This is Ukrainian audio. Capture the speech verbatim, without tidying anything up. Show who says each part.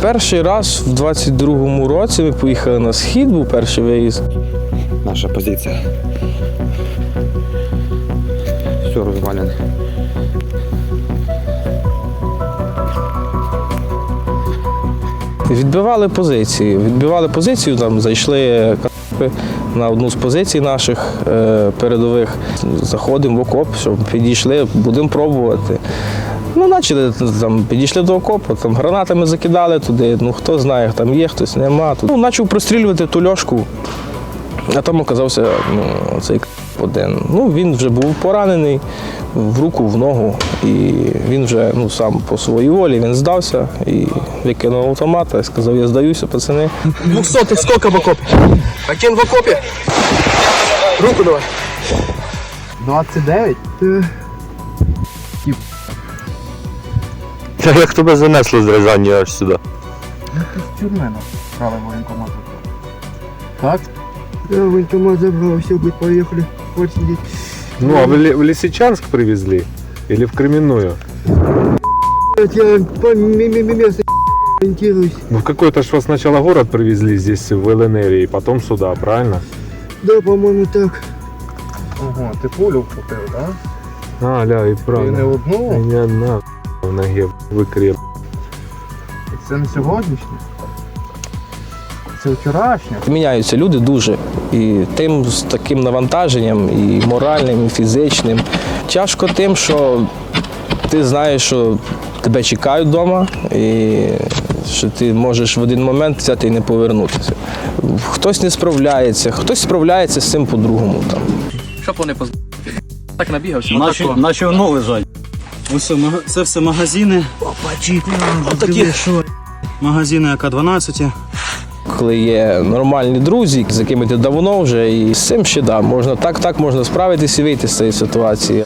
Speaker 1: Перший раз в двадцять другому році ми поїхали на схід, був перший виїзд.
Speaker 2: Наша позиція. Все розвалене.
Speaker 1: Відбивали позиції. Відбивали позицію, там зайшли на одну з позицій наших е, передових. Заходимо в окоп, щоб підійшли, будемо пробувати. Ну, почали, там, підійшли до окопу, там гранатами закидали туди, ну хто знає, там є, хтось нема. Ну, почав прострілювати ту льошку, а там оказався ну, цей один. Ну, він вже був поранений в руку, в ногу, і він вже ну, сам по своїй волі він здався і викинув автомата і сказав, я здаюся, пацани.
Speaker 3: Двухсотый сколько в окопе? Один в окопе. Руку давай. двадцять дев'ять?
Speaker 4: Як тебе занесло з Рязані аж сюди?
Speaker 3: З тюрми брали воєнкомат. Так? Да, воєнкомат забрал, все, будет, поехали. Вот сидеть.
Speaker 4: Ну, а в, Ле- в Лисичанск привезли? Или в Кременную?
Speaker 3: Я по место ориентируюсь.
Speaker 4: Ну, в какой-то ж вас сначала город привезли здесь, в ЛНР, и потом сюда, правильно?
Speaker 3: Да, по-моему, так. Ого, ти пулю вкупив, так?
Speaker 4: А, ля, и
Speaker 3: Ти
Speaker 4: правильно.
Speaker 3: не одну?
Speaker 4: И не одна в ноге викреп.
Speaker 3: Це не сьогоднішнє? Це вчорашнє?
Speaker 1: Міняються люди дуже. І тим з таким навантаженням, і моральним, і фізичним. Тяжко тим, що ти знаєш, що тебе чекають вдома, і що ти можеш в один момент взяти і не повернутися. Хтось не справляється, хтось справляється з цим по-другому. Там.
Speaker 5: Щоб вони поз... так набігався.
Speaker 6: Наші,
Speaker 5: отако.
Speaker 6: наші воно лежать. Ось це, мага- це все магазини. Отакі магазини А К дванадцять.
Speaker 1: Коли є нормальні друзі, з якими ти давно вже, і з цим ще да, можна так, так можна справитися і вийти з цієї ситуації.